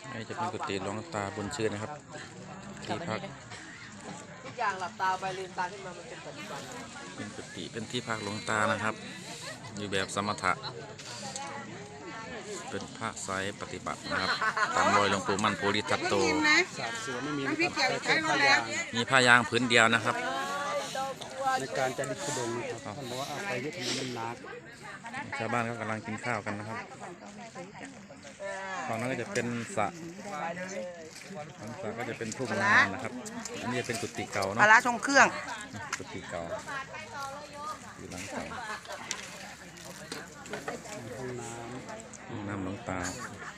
นี่จะเป็นกุฏิหลวงตาบุญชื่นนะครับที่พักทุกอย่างหลับตาไปลืมตาขึ้นมามันเป็นปัจจุบันเป็นกุฏิเป็นที่พักหลวงตานะครับอยู่แบบสมถะเป็นพระไซปฏิบัตินะครับตามรอยหลวงปู่มั่นโพธิทัตโตมีผ้ายางผืนเดียวนะครับในการจะดิบดงนะครับท่านบอกว่าเอาไปเยอะทำไมมันหนักชาวบ้านเขากำลังกินข้าวกันนะครับฝั่งนั้นก็จะเป็นสระฝั่งสระก็จะเป็นทุ่งนานะครับอันนี้จะเป็นกุฏิเก่าเนาะปลาทรงเครื่องกุฏิเก่าอยู่หลังเก่าห้องน้ำหลวงตา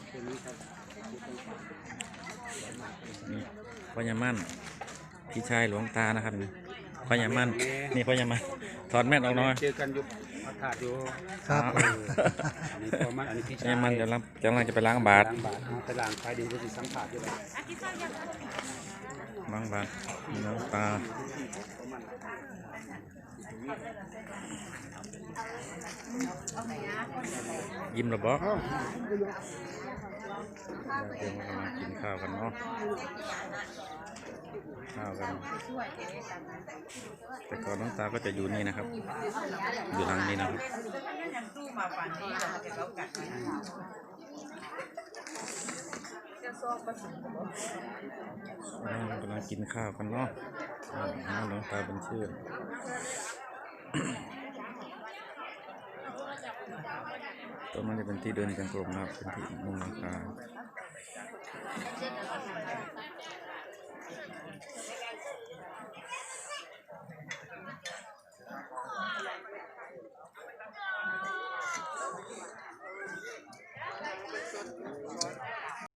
นี่พ่อยามั่นพี่ชายหลวงตานะครับพ่อยามั่นนี่พ่อยามั่นถอดแมสออกหน่อยเจอกันยุบอากาศอยู่ครับนี่พ่อมันอันนี้พี่ชายมันกำลังจะไปล้างบาตรไปล้างไปดีจะสัมผัสอยู่เลยล้างบาตรหลวงตายิ้มหรือเปล่าเดี๋ยวเรากำลังกินข้าวกันเนาะข้าวกันแต่ก่อนหลวงตาก็จะอยู่นี่นะครับอยู่หลังนี้นะครับกำลังกินข้าวกันเนาะหลวงตาเป็นชื่อตัวมันจะเป็นที่เดินจงกรมนะครับเป็นที่มุงหลังคา